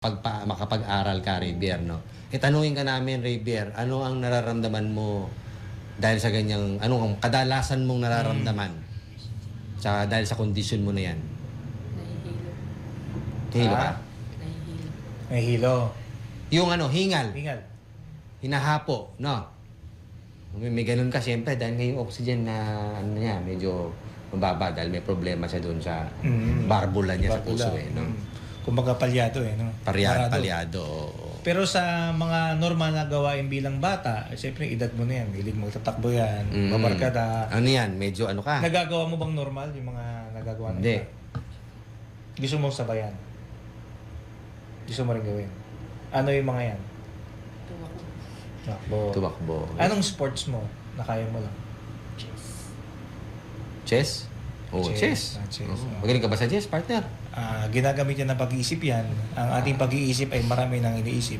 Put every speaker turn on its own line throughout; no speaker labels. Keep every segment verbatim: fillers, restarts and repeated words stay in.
pagpa, makapag-aral ka, Raybier, no? E tanungin ka namin, Raybier, ano ang nararamdaman mo dahil sa ganyang, ano ang kadalasan mong nararamdaman? Sa, dahil sa kondisyon mo na yan?
Nahihilo.
Hilo ka?
Ah?
Nahihilo.
May hilo.
Yung ano, hingal,
Hingal.
hinahapo, no? May, may ganun ka, siyempre, dahil ngayong oxygen na, ano niya, medyo mababa dahil may problema siya doon sa
Mm.
barbula niya sa
Barbula.
puso, eh, no?
Mm. Kumbaga palyado eh, no?
Paryado,
Parado.
palyado, oo.
Pero sa mga normal na gawain bilang bata, eh, siyempre edad mo na yan. Hilig magtatakbo yan,
Mm.
babarkada.
Ano yan, medyo ano ka?
Nagagawa mo bang normal yung mga nagagawa ng
Hindi.
iba? Gusto mo sabayan? Gusto mo rin gawin? Ano yung mga yan?
Tumakbo.
Takbo.
Tumakbo.
Anong sports mo na kaya mo lang?
Chess.
Chess? Oh, chess.
Chess. Ah, chess.
Oo. Magaling ka ba sa chess, partner?
Ah, ginagamit yan ng pag-iisip yan. Ang ating pag-iisip ay marami nang iniisip.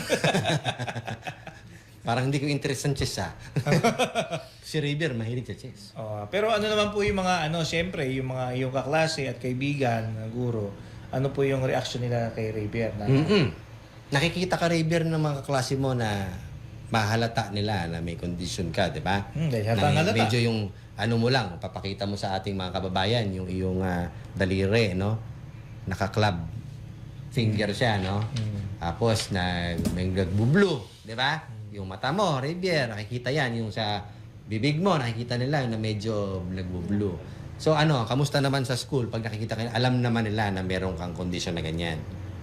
Parang hindi ko interest sa chess, ha? Si Raybier, mahilig sa chess.
Oh, pero ano naman po yung mga ano, siyempre, yung mga yung kaklase at kaibigan, na guro, ano po yung reaction nila kay Raybier na
Mm-mm. Nakikita ka, Raybier, ng mga kaklase mo na mahalata nila na may condition ka, di ba?
Hmm, dahil
Na
hatang halata.
medyo yung ano mo lang, papakita mo sa ating mga kababayan, yung iyong ah, daliri, no? Naka-club finger siya, no?
Hmm.
Tapos na may nagbublo, di ba? Yung mata mo, Raybier, nakikita yan. Yung sa bibig mo, nakikita nila na medyo nagbublo. So ano, kamusta naman sa school? Pag nakikita kayo, alam naman nila na meron kang kondisyon na ganyan.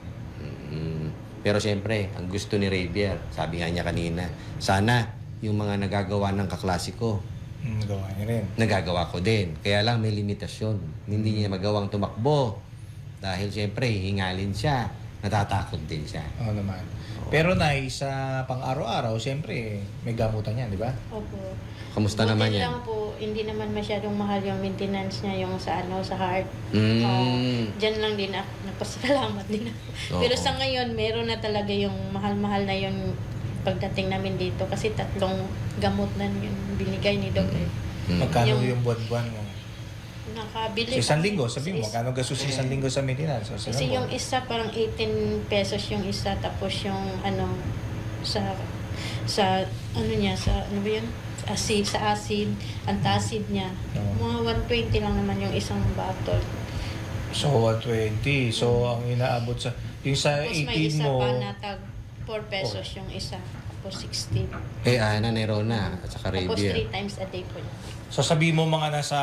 Mm. Pero siyempre, ang gusto ni Raybier, sabi nga niya kanina, sana yung mga nagagawa ng kaklase ko,
Hmm, gawa niya rin.
nagagawa ko din. Kaya lang may limitasyon. Hindi niya magawang tumakbo. Dahil siyempre, hingalin siya. Natatakot din siya.
Oo naman. Pero Nay, sa pang-araw-araw, siyempre, may gamutan yan, di ba?
Opo.
Kamusta
Buti
naman yan?
lang po, hindi naman masyadong mahal yung maintenance niya, yung sa ano, sa heart.
Mm.
Ah, Diyan lang din ako, nagpasalamat din ako.
Oo.
Pero sa ngayon, meron na talaga yung mahal-mahal na yung pagdating namin dito kasi tatlong gamot na yung binigay ni Doc. eh.
Mm.
Magkano
Yung-
yung buwan-buwan mo?
Nakabili.
Sa isang
kami
linggo, sabi mo,
sa is-
magkano gastos sa isang linggo sa maintenance? So, sa
Kasi
isang
yung
buwan.
isa parang eighteen pesos yung isa tapos yung ano sa sa ano niya sa ano ba yun? Acid, sa acid, antacid niya.
Oo.
Mga one twenty lang naman yung isang bottle.
So, one twenty. So, ang inaabot sa... Yung sa
Tapos may
eighteen
isa
mo...
pa na tag four pesos yung isa. Tapos sixteen.
Eh, ah, Nanay Rona at saka
Tapos
Raybier.
three times a day po yun.
So, sabi mo mga nasa...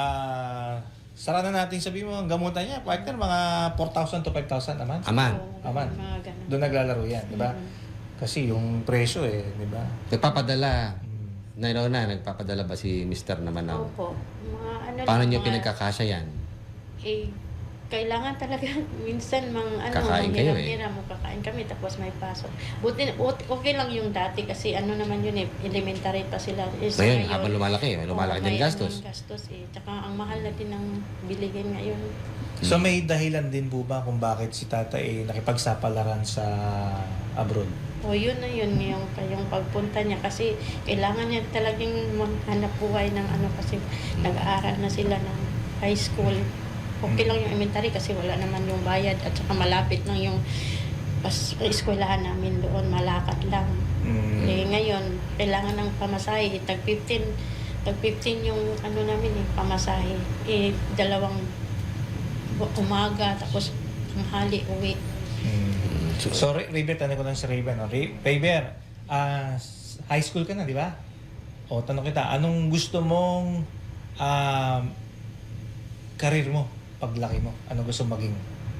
Sara na natin sabi mo, ang gamutan niya, partner, mga four thousand to five thousand naman.
Aman.
Oo,
Aman.
Mga ganun.
Doon naglalaro yan, di ba?
Mhm.
Kasi yung presyo eh, di ba?
Nagpapadala.
Mm.
Nanay Rona, nagpapadala ba si Mister naman ng...
Opo. Mga ano
Paano
lang,
niyo
mga-
pinagkakasya yan?
eh, kailangan talaga minsan mang ano,
Kakain kayo eh.
hiram mo kakain kami tapos may pasok. Buti buti- okay lang yung dati kasi ano naman yun eh, elementary pa sila. Eh, sa
Ngayon,
ngayon,
habang lumalaki, may lumalaki
oo,
din
may
gastos.
anong gastos eh. Tsaka ang mahal na din ng bilihin ngayon.
So, may dahilan din po ba kung bakit si tata eh nakipagsapalaran sa abroad?
O yun na yun yung, yung pagpunta niya kasi kailangan niya talagang maghanap buhay ng ano kasi nag-aaral na sila ng high school. Okay lang yung elementary kasi wala naman yung bayad at saka malapit lang yung pas eskwelahan namin doon, malakad lang.
Mm.
Eh ngayon, kailangan ng pamasahe, tag fifteen, tag fifteen yung ano namin eh, pamasahe. Eh dalawang bu- umaga tapos tanghali uwi.
Mm. So, Ray- Rayber, tanong ko lang si Rayber. No? Ray- Rayber, ah, s- high school ka na, di ba? O, tanong kita, anong gusto mong um, karir mo paglaki mo? Anong gusto maging?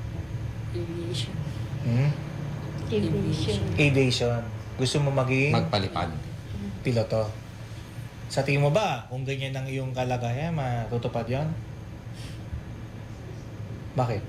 Aviation.
Hmm?
Aviation.
Aviation. Gusto mo maging
Magpalipad.
piloto. Sa tingin mo ba, kung ganyan ang iyong kalagayan, matutupad yon? Bakit?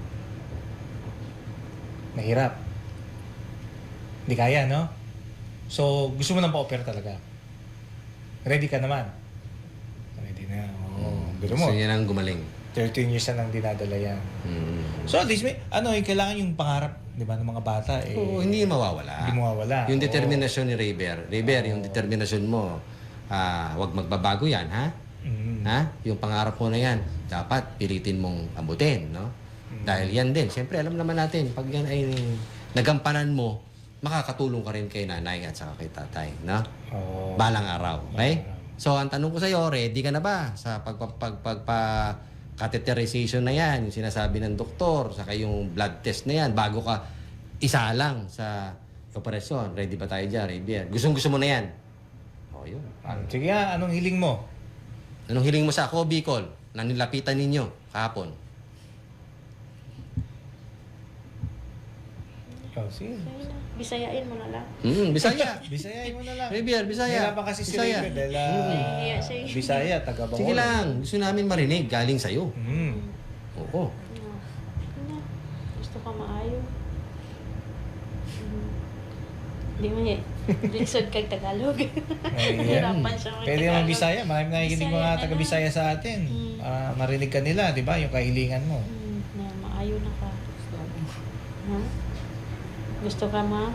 Mahirap. Hindi kaya, no? So, gusto mo nang pa-offer talaga. Ready ka naman. Ready na. Oo. Biro mo.
Gusto niya nang gumaling.
thirteen years na nang dinadala yan.
Mm.
So, at least, may, ano, eh, kailangan yung pangarap, di ba, ng mga bata, eh,
Oo, hindi mawawala.
hindi mawawala.
Yung
Oo.
determinasyon ni Raybier. Raybier, yung determinasyon mo, ah, wag magbabago yan, ha?
Mm.
Ha? Yung pangarap mo na yan, dapat pilitin mong abutin, no?
Mm.
Dahil yan din, siyempre alam naman natin, pag yan ay nagampanan mo, makakatulong ka rin kay nanay at saka kay tatay, no?
Oo.
Balang araw, okay?
Balang araw.
So, ang tanong ko sa iyo, ready ka na ba sa pagpa, pag, pagpa catheterization na yan, yung sinasabi ng doktor, saka yung blood test na yan, bago ka isa lang sa operasyon. Ready ba tayo dyan, Rabier? Gustong gusto mo na yan? O, yun.
Ah, Sige nga, anong hiling mo?
Anong hiling mo sa ako, Bicol, na nilapitan ninyo kahapon?
Oh, sige.
Ayun na, Bisayain mo na lang.
Hmm, Bisaya.
Bisayain mo na lang.
Rabier, Bisaya.
Hirapan kasi si
Bisaya.
Rabier dahil ah,
Nahihiya siya eh.
Bisaya, taga Bacolod.
Sige lang, gusto namin marinig galing sa'yo.
Mm.
Oo.
Ano, ano, gusto ka maayo. Hmm. Di mo eh. Lisod kag Tagalog.
Ayan.
Hirapan siya mag
Pwede naman Bisaya. Maraming nakikinig
Bisaya
mga
na
taga
lang.
Bisaya sa atin.
Mm.
Para marinig ka nila, di ba? Yung kahilingan mo.
Hmm, na maayo na ka. Ha? Gusto ka ma?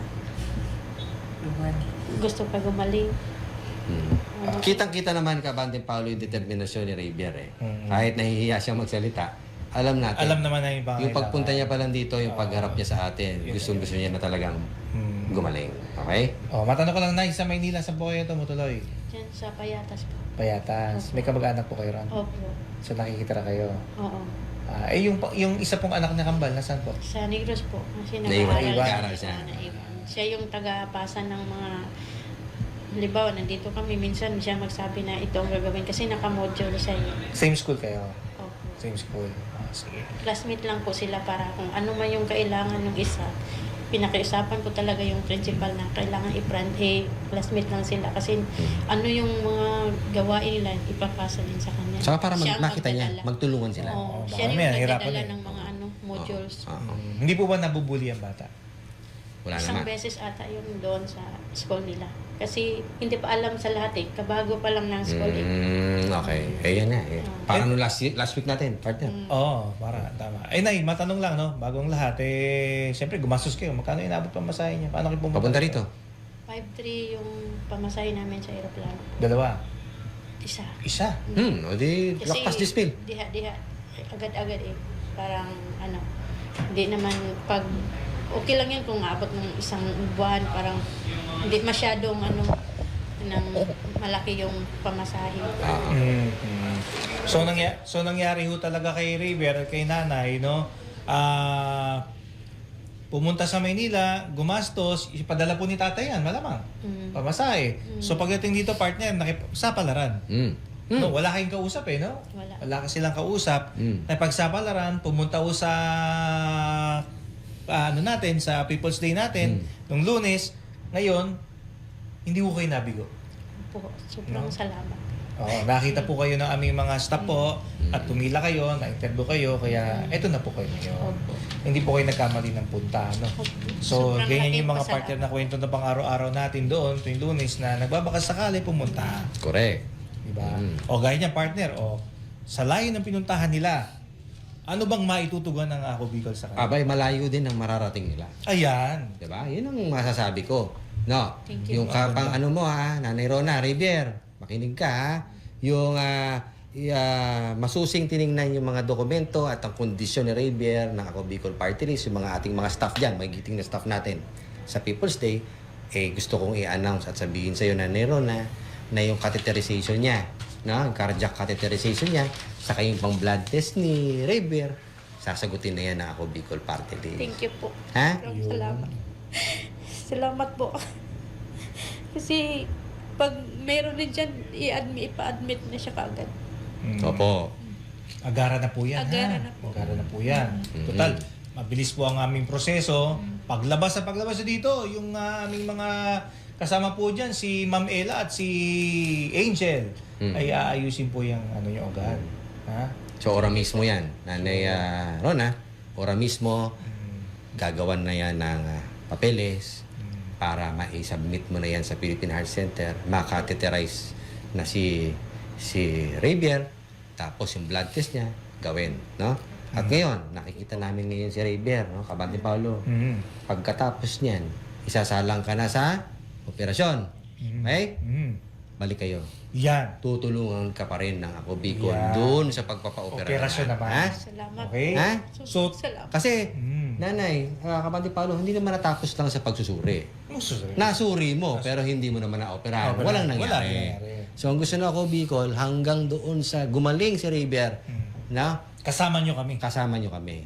Gusto ka gumaling?
Hmm. Kitang-kita naman ka, Bante Paulo, yung determinasyon ni Rabier eh.
Mm.
Kahit nahihiya siya magsalita, alam natin.
Alam naman na yung pangailangan.
Yung pagpunta niya pa lang dito, yung pagharap niya sa atin, gustong-gusto niya na talagang
Mm.
gumaling. Okay?
Oh, matanong ko lang, Nay, sa Maynila, saan po kayo tumutuloy?
Diyan sa Payatas po.
Payatas. May kamag-anak po kayo ron?
Opo.
So nakikitira kayo.
Oo.
Ah, eh, yung, yung isa pong anak na kambal, nasaan po?
Sa Negros po. Kasi
Naiwan-
nag-aaral
nag-aaral siya.
Ah, naiwan. Siya yung taga-pasa ng mga... Halimbawa, nandito kami. Minsan siya magsabi na ito ang gagawin kasi naka-module siya yun.
Same school kayo?
Opo.
Same school. Ah, sige.
Classmate lang po sila para kung ano man yung kailangan ng isa. Pinakiusapan ko talaga yung principal na kailangan i-brand eh, classmate lang sila kasi ano yung mga gawain nila ipapasa din sa kanya.
Saka para mag-
Siya ang
makita niya,
magdadala.
magtulungan sila.
Oo,
Oo, baka
siya rin
mamaya,
yung
hirapan
magdadala
eh.
ng mga ano, modules.
Oo.
Mm, hindi po ba nabubuli ang bata?
Wala
Isang
naman.
beses ata yun doon sa school nila. Kasi hindi pa alam sa lahat eh. Kabago pa lang ng school eh.
Mm, okay. Eh, yan na. Eh. Parang nung last, last week natin, partner.
Mm.
Oo, oh, para, tama. Eh, Nay, matanong lang, no? Bagong lahat, eh, siyempre, gumastos kayo. Magkano inabot pa masahe niya? Paano kayo pumunta?
Papunta rito.
five three yung pamasahe namin sa aeroplano.
Dalawa.
Isa.
Isa.
Hmm, o di,
Kasi
lakpas dispel.
diha, diha, agad-agad eh. Parang ano, hindi naman pag, okay lang yan kung abot ng isang buwan, parang hindi masyadong ano, ng malaki yung pamasahe.
Ah.
Mm, mm. So, nangya so, nangyari ho talaga kay River at kay nanay, no? Ah... pumunta sa Maynila, gumastos, ipadala po ni tatay yan, malamang.
Mm.
Pamasahe. So pagdating dito, partner, nakipagsapalaran.
Mm. Mm.
No, wala kayong kausap eh, no?
Wala.
Wala ka silang kausap.
Mm.
Nakipagsapalaran, pumunta ko sa ah, ano natin, sa People's Day natin, nung Lunes. Ngayon, hindi ko kayo nabigo.
Po, sobrang
No?
salamat.
Oo, nakita po kayo ng aming mga staff po at pumila kayo, na-interview kayo, kaya eto na po kayo ngayon.
Opo.
Hindi po kayo nagkamali ng punta, no? So,
Sobrang
ganyan
laking
yung mga
pasalamat.
partner na kwento na pang araw-araw natin doon, tuwing Lunes, na nagbabakas sakali pumunta.
Correct.
Diba?
Mm.
O gaya niyan, partner, o sa layo ng pinuntahan nila, ano bang maitutugan ng Ako Bicol sa kanila?
Abay, malayo din ang mararating nila.
Ayan.
Diba? Yun ang masasabi ko. No?
Thank you.
Yung kapang ano mo ha, Nanay Rona, Rivier, makinig ka ha. Yung ah, i- ah, masusing tiningnan yung mga dokumento at ang kondisyon ni Rivier ng Ako Bicol Party List, yung mga ating mga staff dyan, magigiting na staff natin sa People's Day, eh gusto kong i-announce at sabihin sa'yo na Nanay Rona na yung catheterization niya, no? Yung cardiac catheterization niya, saka yung pang blood test ni Rivier, sasagutin na yan ng Ako Bicol Party List.
Thank you po.
Ha?
Sobrang salamat. Salamat po. Kasi pag meron din dyan, i-admit, ipa-admit na siya kaagad.
Mm.
Opo.
Agara na po yan,
Agara
ha?
na po.
Agara na po yan.
Mhm.
Total, mabilis po ang aming proseso. Paglabas sa paglabas dito, yung ah, aming mga kasama po dyan, si Ma'am Ella at si Angel,
Mhm.
ay aayusin po yung ano yung agad. Ha?
So, ora mismo yan. Nanay ah, Rona, ora mismo, gagawan na yan ng ah, papeles para ma-submit mo na yan sa Philippine Heart Center, makateterize na si si Rivier, tapos yung blood test niya, gawin, no? At ngayon, nakikita namin ngayon si Rivier, no? Kabante Paulo.
Mhm.
Pagkatapos niyan, isasalang ka na sa operasyon.
Mhm.
Okay?
Mhm.
Balik kayo.
Yan.
Tutulungan ka pa rin ng Ako Bicol
Yeah.
doon sa pagpapa-opera.
Operasyon naman.
Ha?
Salamat.
Okay?
Ha?
So,
Salamat.
Kasi,
Mm.
Nanay, uh, Kabante Paolo, hindi naman natapos lang sa pagsusuri.
Ang susunod.
Nasuri mo, pero hindi mo naman na-operahan.
Operahan.
Walang
Wala
nangyari.
nangyari.
So, ang gusto na ako, Bicol, hanggang doon sa gumaling si River,
Mm.
na
Kasama nyo kami.
kasama nyo kami.